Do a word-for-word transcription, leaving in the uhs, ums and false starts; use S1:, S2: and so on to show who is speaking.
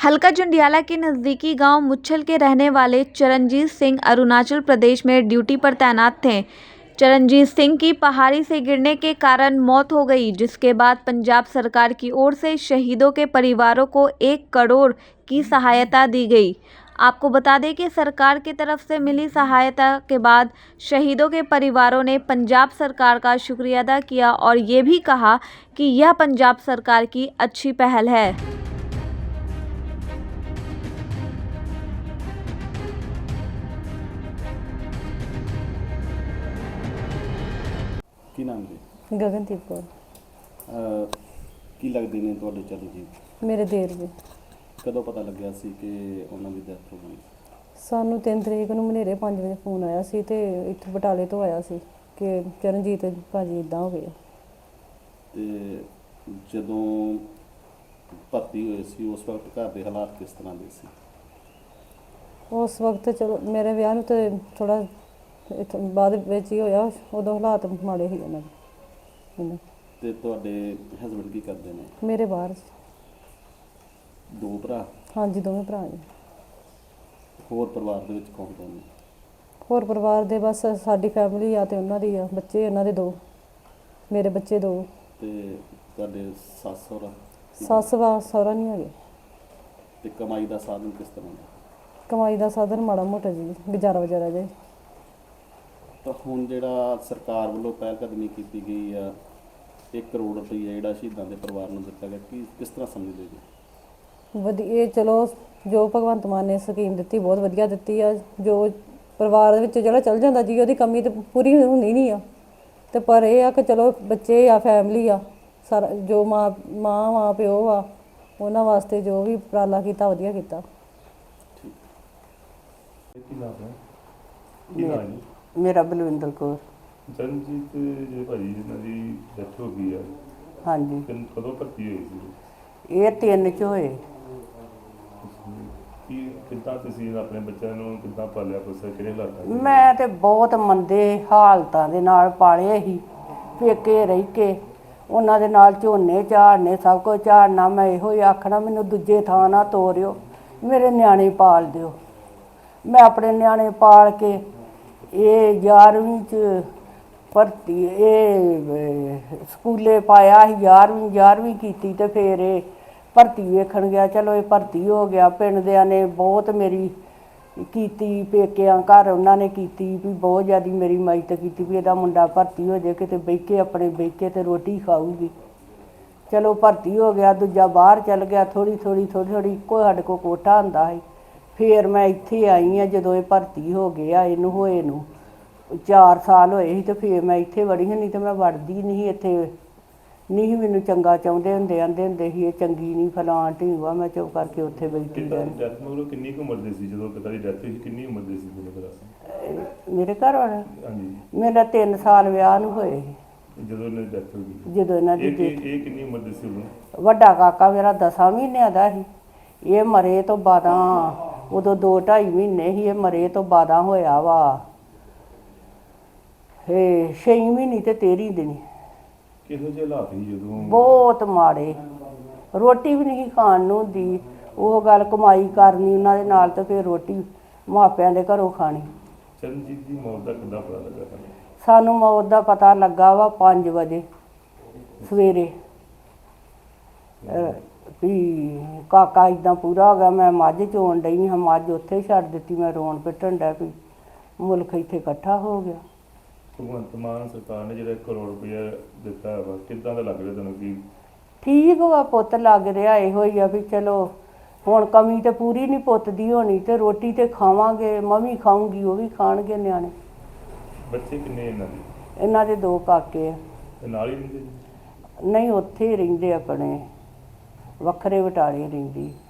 S1: हल्का जंडियाला के नज़दीकी गांव मुच्छल के रहने वाले चरणजीत सिंह अरुणाचल प्रदेश में ड्यूटी पर तैनात थे। चरणजीत सिंह की पहाड़ी से गिरने के कारण मौत हो गई, जिसके बाद पंजाब सरकार की ओर से शहीदों के परिवारों को एक करोड़ की सहायता दी गई। आपको बता दें कि सरकार की तरफ से मिली सहायता के बाद शहीदों के परिवारों ने पंजाब सरकार का शुक्रिया अदा किया और ये भी कहा कि यह पंजाब सरकार की अच्छी पहल है।
S2: ਕੀ ਨਾਮ ਜੀ?
S3: ਗਗਨਦੀਪ ਕੌਰ।
S2: ਅਹ ਕੀ ਲੱਗਦੇ ਨੇ ਤੁਹਾਡੇ ਚਰਨਜੀਤ?
S3: ਮੇਰੇ ਦੇਰ ਜੀ।
S2: ਕਦੋਂ ਪਤਾ ਲੱਗਿਆ ਸੀ ਕਿ ਉਹਨਾਂ ਦੀ ਡੈਥ ਹੋ ਗਈ?
S3: ਸਾਨੂੰ ਤਿੰਨ ਤਰੀਕ ਨੂੰ ਮਨੇਰੇ ਪੰਜ ਵਜੇ ਫੋਨ ਆਇਆ ਸੀ ਤੇ ਇੱਥੋਂ ਬਟਾਲੇ ਤੋਂ ਆਇਆ ਸੀ ਕਿ ਚਰਨਜੀਤ ਭਾਜੀ ਇਦਾਂ ਹੋ ਗਏ।
S2: ਤੇ ਜਦੋਂ ਭਰਤੀ ਹੋਏ ਸੀ ਉਸ ਵਕਤ ਘਰ ਦੇ ਹਾਲਾਤ ਕਿਸ ਤਰ੍ਹਾਂ ਦੇ ਸੀ?
S3: ਉਸ ਵਕਤ ਚਲੋ ਮੇਰੇ ਵਿਆਹ ਨੂੰ ਤੇ ਥੋੜਾ ਇੱਥੋਂ ਬਾਅਦ ਵਿੱਚ ਹੀ ਹੋਇਆ, ਉਦੋਂ ਹਾਲਾਤ ਮਾੜੇ ਸੀ ਉਹਨਾਂ ਦੇ। ਇਹਨਾਂ
S2: ਤੇ ਤੁਹਾਡੇ ਹਸਬੰਡ ਕੀ ਕਰਦੇ ਨੇ?
S3: ਮੇਰੇ ਬਾਹਰ ਸੀ।
S2: ਦੋ ਭਰਾ?
S3: ਹਾਂਜੀ, ਦੋਵੇਂ ਭਰਾ ਜੀ।
S2: ਹੋਰ ਪਰਿਵਾਰ ਦੇ ਵਿੱਚ ਕੌਣ ਕੌਣ ਨੇ?
S3: ਹੋਰ ਪਰਿਵਾਰ ਦੇ ਬਸ ਸਾਡੀ ਫੈਮਿਲੀ ਆ ਤੇ ਉਹਨਾਂ ਦੀ ਆ, ਬੱਚੇ ਉਹਨਾਂ ਦੇ ਦੋ, ਮੇਰੇ ਬੱਚੇ ਦੋ।
S2: ਤੇ ਤੁਹਾਡੇ ਸੱਸ ਸਹੁਰਾ?
S3: ਸੱਸ ਵਾ ਸਹੁਰਾ ਨਹੀਂ ਹੈਗੇ।
S2: ਤੇ ਕਮਾਈ ਦਾ ਸਾਧਨ ਕਿਸ ਤਰ੍ਹਾਂ ਦਾ?
S3: ਕਮਾਈ ਦਾ ਸਾਧਨ ਮਾੜਾ ਮੋਟਾ ਜੀ, ਗੁਜ਼ਾਰਾ ਵਜ਼ਾਰਾ ਜੀ।
S2: ਤਾਂ ਹੁਣ ਜਿਹੜਾ ਸਰਕਾਰ ਵੱਲੋਂ ਪਹਿਲ ਕਦਮੀ ਕੀਤੀ ਗਈ ਆ, ਇੱਕ ਕਰੋੜ ਰੁਪਈਆ ਜਿਹੜਾ ਸ਼ਹੀਦਾਂ ਦੇ ਪਰਿਵਾਰ ਨੂੰ ਦਿੱਤਾ ਗਿਆ, ਕੀ ਕਿਸ ਤਰ੍ਹਾਂ ਸਮਝਦੇ ਜੀ?
S3: ਵਧੀਆ, ਚਲੋ ਜੋ ਭਗਵੰਤ ਮਾਨ ਨੇ ਸਕੀਮ ਦਿੱਤੀ ਬਹੁਤ ਵਧੀਆ ਦਿੱਤੀ ਆ। ਜੋ ਪਰਿਵਾਰ ਦੇ ਵਿੱਚ ਜਿਹੜਾ ਚੱਲ ਜਾਂਦਾ ਜੀ, ਉਹਦੀ ਕਮੀ ਤਾਂ ਪੂਰੀ ਹੁੰਦੀ ਨਹੀਂ ਆ। ਤੇ ਪਰ ਇਹ ਆ ਕਿ ਚਲੋ ਬੱਚੇ ਆ, ਫੈਮਿਲੀ ਆ, ਸਾਰਾ ਜੋ ਮਾਂ ਮਾਂ ਮਾਂ ਪਿਓ ਆ, ਉਹਨਾਂ ਵਾਸਤੇ ਜੋ ਵੀ ਉਪਰਾਲਾ ਕੀਤਾ ਵਧੀਆ ਕੀਤਾ।
S4: ਕੀ ਨਾਮ ਹੈ? ਕੀ ਨਾਮ ਜੀ?
S5: ਮੇਰਾ ਬਲਵਿੰਦਰ ਕੌਰ।
S4: ਚਰਨਜੀਤ ਜੇ ਭਾਜੀ ਜਿਹਨਾਂ ਦੀ ਡੈਥ ਹੋ ਗਈ ਆ,
S5: ਹਾਂਜੀ,
S4: ਕਿੰਨ- ਕਦੋਂ ਭਰਤੀ ਹੋਈ ਸੀ?
S5: ਇਹ ਤਿੰਨ ਚ ਹੋਏ।
S4: ਕੀ ਕਿੱਦਾਂ ਤੁਸੀਂ ਆਪਣੇ ਬੱਚਿਆਂ ਨੂੰ ਕਿੱਦਾਂ ਪਾਲਿਆ ਪੋਸਿਆ, ਕਿਹੜੇ ਹਾਲਾਤਾਂ 'ਚ?
S5: ਮੈਂ ਤੇ ਬਹੁਤ ਮੰਦੇ ਹਾਲਤਾਂ ਦੇ ਨਾਲ ਪਾਲੇ ਸੀ, ਪੇਕੇ ਰਹਿ ਕੇ ਉਹਨਾਂ ਦੇ ਨਾਲ ਝੋਨੇ ਝਾੜਨੇ, ਸਭ ਕੁਝ ਝਾੜਨਾ। ਮੈਂ ਇਹੋ ਹੀ ਆਖਣਾ, ਮੈਨੂੰ ਦੂਜੇ ਥਾਂ ਨਾ ਤੋਰਿਓ, ਮੇਰੇ ਨਿਆਣੇ ਪਾਲ ਦਿਓ। ਮੈਂ ਆਪਣੇ ਨਿਆਣੇ ਪਾਲ ਕੇ ਇਹ ਗਿਆਰਵੀਂ 'ਚ ਭਰਤੀ, ਇਹ ਸਕੂਲੇ ਪਾਇਆ ਸੀ, ਗਿਆਰਵੀਂ ਗਿਆਰਵੀਂ ਕੀਤੀ ਤੇ ਫਿਰ ਇਹ ਭਰਤੀ ਵੇਖਣ ਗਿਆ। ਚਲੋ ਇਹ ਭਰਤੀ ਹੋ ਗਿਆ। ਪਿੰਡ ਦਿਆਂ ਨੇ ਬਹੁਤ ਮੇਰੀ ਕੀਤੀ, ਪੇਕਿਆਂ ਘਰ ਉਹਨਾਂ ਨੇ ਕੀਤੀ ਵੀ ਬਹੁਤ ਜ਼ਿਆਦਾ ਮੇਰੀ ਮਦਦ ਕੀਤੀ ਵੀ ਇਹਦਾ ਮੁੰਡਾ ਭਰਤੀ ਹੋ ਜਾਏ, ਕਿਤੇ ਬਹਿ ਕੇ ਆਪਣੇ ਬਹਿ ਕੇ ਤੇ ਰੋਟੀ ਖਾਊਗੀ। ਚਲੋ ਭਰਤੀ ਹੋ ਗਿਆ। ਦੂਜਾ ਬਾਹਰ ਚੱਲ ਗਿਆ। ਥੋੜ੍ਹੀ ਥੋੜ੍ਹੀ ਥੋੜ੍ਹੀ ਥੋੜ੍ਹੀ ਇੱਕੋ ਸਾਡੇ ਕੋਲ ਕੋਠਾ ਹੁੰਦਾ ਸੀ। ਫਿਰ ਮੈਂ ਇੱਥੇ ਆਈ ਹਾਂ ਜਦੋਂ ਇਹ ਭਰਤੀ ਹੋ ਗਿਆ। ਇਹਨੂੰ ਹੋਏ ਨੂੰ ਚਾਰ ਸਾਲ ਹੋਏ ਸੀ ਤੇ ਫਿਰ ਮੈਂ ਇੱਥੇ ਵੜੀ ਹਾਂ, ਨਹੀਂ ਤਾਂ ਮੈਂ ਵੜਦੀ ਨਹੀਂ ਇੱਥੇ। ਨਹੀਂ ਮੈਨੂੰ ਚੰਗਾ ਚਾਹੁੰਦੇ ਹੁੰਦੇ, ਆਂਦੇ ਹੁੰਦੇ ਸੀ ਇਹ ਚੰਗੀ ਨਹੀਂ, ਫਲਾਣ ਢੀਂਗਵਾ। ਮੈਂ ਚੁੱਪ ਕਰਕੇ ਉੱਥੇ ਬੈਠੀ
S4: ਕਿੱਦਾਂ
S5: ਰਹਿੰਦੀ।
S4: ਡੈਥ ਮਤਲਬ ਕਿੰਨੀ ਕੁ ਉਮਰ ਦੇ ਸੀ ਜਦੋਂ ਪਿਤਾ ਦੀ ਡੈਥ ਹੋਈ? ਕਿੰਨੀ ਉਮਰ ਦੇ ਸੀ ਮੇਰੇ ਕੋਲ?
S5: ਮੇਰੇ ਘਰ ਵਾਲਾ
S4: ਹਾਂਜੀ,
S5: ਮੇਰਾ ਤਿੰਨ ਸਾਲ ਵਿਆਹ ਨੂੰ ਹੋਏ ਸੀ
S4: ਜਦੋਂ ਇਹਨਾਂ ਦੀ ਡੈਥ ਹੋ ਗਈ।
S5: ਜਦੋਂ ਇਹਨਾਂ ਦੀ
S4: ਇਹ
S5: ਡੈਥ।
S4: ਇਹ ਇਹ ਕਿੰਨੀ ਉਮਰ ਦੇ ਸੀ ਉਦੋਂ?
S5: ਵੱਡਾ ਕਾਕਾ ਮੇਰਾ ਦਸਾਂ ਮਹੀਨਿਆਂ ਦਾ ਸੀ। ਇਹ ਮਰੇ ਤੋਂ ਬਾਦਾਂ, ਉਦੋਂ ਦੋ ਢਾਈ ਮਹੀਨੇ ਸੀ। ਇਹ ਮਰੇ ਤੋਂ ਬਾਦਾਂ ਹੋਇਆ ਵਾ ਇਹ ਛੇ ਮਹੀਨੇ ਤੇ ਤੇਰ੍ਹਾਂ ਦਿਨ।
S4: ਕਿਹੋ ਜਿਹੇ ਹਾਲਾਤ ਸੀ ਜਦੋਂ?
S5: ਬਹੁਤ ਮਾੜੇ, ਰੋਟੀ ਵੀ ਨਹੀਂ ਖਾਣ ਨੂੰ ਹੁੰਦੀ। ਉਹ ਗੱਲ ਕਮਾਈ ਕਰਨੀ ਉਹਨਾਂ ਦੇ ਨਾਲ ਤੇ ਫਿਰ ਰੋਟੀ ਮਾਪਿਆਂ ਦੇ ਘਰੋਂ ਖਾਣੀ।
S4: ਚਰਨਜੀਤ ਦੀ ਮੌਤ ਦਾ ਕਿੱਦਾਂ ਪਤਾ ਲੱਗਾ ਤੁਹਾਨੂੰ?
S5: ਸਾਨੂੰ ਮੌਤ ਦਾ ਪਤਾ ਲੱਗਾ ਵਾ ਪੰਜ ਵਜੇ ਸਵੇਰੇ ਅਹ ਵੀ ਕਾਕਾ ਇੱਦਾਂ ਪੂਰਾ ਹੋ ਗਿਆ। ਮੈਂ ਮੱਝ ਚੋਣ ਡਈ ਹਾਂ, ਮੱਝ ਉੱਥੇ ਛੱਡ ਦਿੱਤੀ। ਮੈਂ ਰੋਣ ਪਿੱਟਣ ਡੈ ਪਈ, ਮੁਲਕ ਇੱਥੇ ਇਕੱਠਾ ਹੋ ਗਿਆ।
S4: ਭਗਵੰਤ ਮਾਨ ਸਰਕਾਰ ਨੇ ਜਿਹੜਾ ਇੱਕ ਕਰੋੜ ਰੁਪਇਆ ਦਿੱਤਾ ਵਾ, ਕਿੱਦਾਂ ਦਾ ਲੱਗ ਰਿਹਾ ਤੁਹਾਨੂੰ? ਕੀ
S5: ਠੀਕ ਵਾ ਪੁੱਤ, ਲੱਗ ਰਿਹਾ ਇਹੋ ਹੀ ਆ ਵੀ ਚਲੋ ਹੁਣ ਕਮੀ ਤੇ ਪੂਰੀ ਨਹੀਂ ਪੁੱਤ ਦੀ ਹੋਣੀ ਤੇ ਰੋਟੀ ਤੇ ਖਾਵਾਂਗੇ। ਮੈਂ ਵੀ ਖਾਊਂਗੀ, ਉਹ ਵੀ ਖਾਣਗੇ ਨਿਆਣੇ।
S4: ਬੱਚੇ ਕਿੰਨੇ ਇਹਨਾਂ ਦੇ?
S5: ਇਹਨਾਂ ਦੇ ਦੋ ਕਾਕੇ ਆ।
S4: ਤੇ ਨਾਲ ਹੀ ਰਹਿੰਦੇ ਜੀ?
S5: ਨਹੀਂ, ਉੱਥੇ ਹੀ ਰਹਿੰਦੇ, ਆਪਣੇ ਵੱਖਰੇ ਬਟਾਲੇ ਰਹਿੰਦੀ।